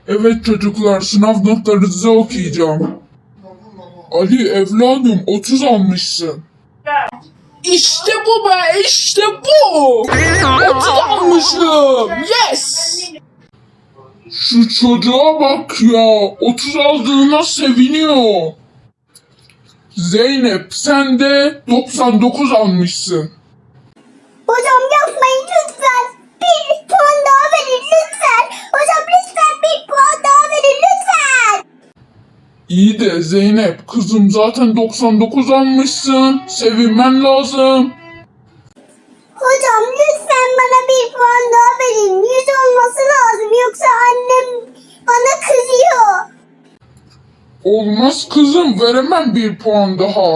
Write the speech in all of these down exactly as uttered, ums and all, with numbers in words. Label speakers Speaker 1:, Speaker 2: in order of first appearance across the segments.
Speaker 1: Evet çocuklar, sınav notlarınızı okuyacağım. Ali evladım otuz almışsın.
Speaker 2: İşte bu be, işte bu. otuz almışım. Yes.
Speaker 1: Şu çocuğa bak ya, otuz aldığına seviniyor. Zeynep sen de doksan dokuz almışsın.
Speaker 3: Hocam yapmayın lütfen. Bir puan daha verin lütfen. Hocam lütfen bir puan daha verin lütfen.
Speaker 1: İyi de Zeynep kızım zaten doksan dokuz almışsın. Sevinmen lazım.
Speaker 3: Hocam lütfen bana bir puan daha verin. Yüz olması lazım yoksa annem bana kızıyor.
Speaker 1: Olmaz kızım, veremem bir puan daha.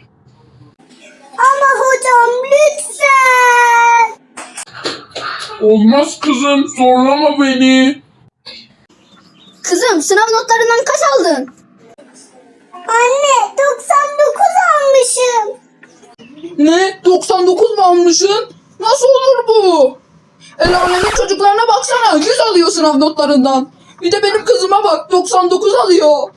Speaker 3: Ama hocam lütfen.
Speaker 1: Olmaz kızım, zorlama beni.
Speaker 3: Kızım sınav notlarından kaç aldın? Anne doksan dokuz almışım.
Speaker 2: Ne? doksan dokuz mu almışsın? Nasıl olur bu? El alemin çocuklarına baksana, yüz alıyor sınav notlarından. Bir de benim kızıma bak, doksan dokuz alıyor.